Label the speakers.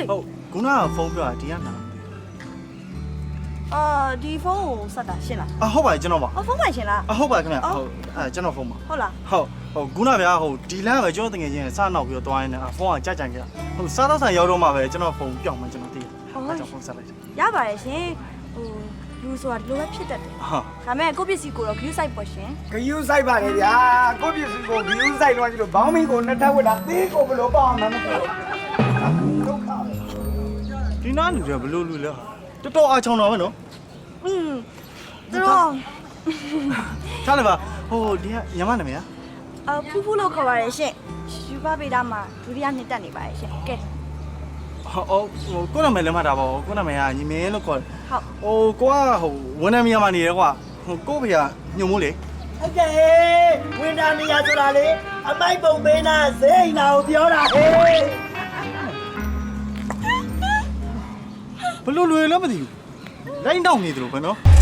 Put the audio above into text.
Speaker 1: ဟုတ်ခုနကဖုန်းပြောတာဒီကနာ
Speaker 2: ဒီဖုန်းကိုဆက်တာရှင်းလား
Speaker 1: အဟုတ်ပါတယ်ကျွန်တော်ပါ
Speaker 2: ဖုန်းမှရှင်းလား
Speaker 1: အဟုတ်ပါခင်ဗျဟုတ်ကျွန်တော်ဖုန်းပါ
Speaker 2: ဟုတ်လား
Speaker 1: ဟုတ်ခုနဗျာဟိုဒီလမ်းပဲကျွန်တော်တကယ်ချင်းစနောက်ပြီးတော့သွားရင်းနဲ့ဖုန်းကကြခဲ့ဟိုစားတော့ဆန်ရောက်တော့မှပဲကျွန်တော်ဖုန်းပြောင်းမှကျွန်တော်သိတယ်ကျွန်တော်ဖုန်းဆက်လိုက်
Speaker 2: ရပါတယ်ရှင်လူဆိုတာဒီလိုပဲဖြစ်တတ်တယ်ဒါပေမဲ့ကိုပစ္စည်းကိုတော့ view site ပေါ့ရှင်
Speaker 3: view site ပါလေဗျာကိုပစ္စည်းကို view site တော့ကြည့်လို့ဘောင်းမီကိုနှစ်ထပ်ဝတ်တာသေးကိုဘလို့ပေါ့မှမသိဘူးဒုက္ခပဲ
Speaker 1: ဒီနားလူတွေဘလို့လူလဲတော်တော်အားချောင်းတော့ပဲနော်
Speaker 2: သူတို့
Speaker 1: ထားလိုက်ပါဟိုဒီကညမနာမည်
Speaker 2: ဖူးဖူးလို့ခေါ်ပါတယ်ရှင်ယူပါပေတာမှာဒုတိယနှစ်တက်နေပါတယ်ရှင်ကဲ
Speaker 1: ဟိုကိုနာမည်လည်းမှတ်တာပါကိုနာမည်ကညီမင်းလို့ခေါ်တယ်
Speaker 2: ဟုတ်
Speaker 1: ကိုကဟိုဝန်ထမ်းများမှာနေတယ်ကွာဟိုကိုဖေကညုံမိုးလေ
Speaker 3: ဟုတ်ကဲ့ဝင်တာနေရဆိုတာလေအမိုက်ပုံပေးနာဇိမ်းနာကိုပြောတာဟေး
Speaker 1: ဘလို့လွယ်လည်းမသိဘူးလိုင်းတောင်းနေတယ်လို့ပဲနော်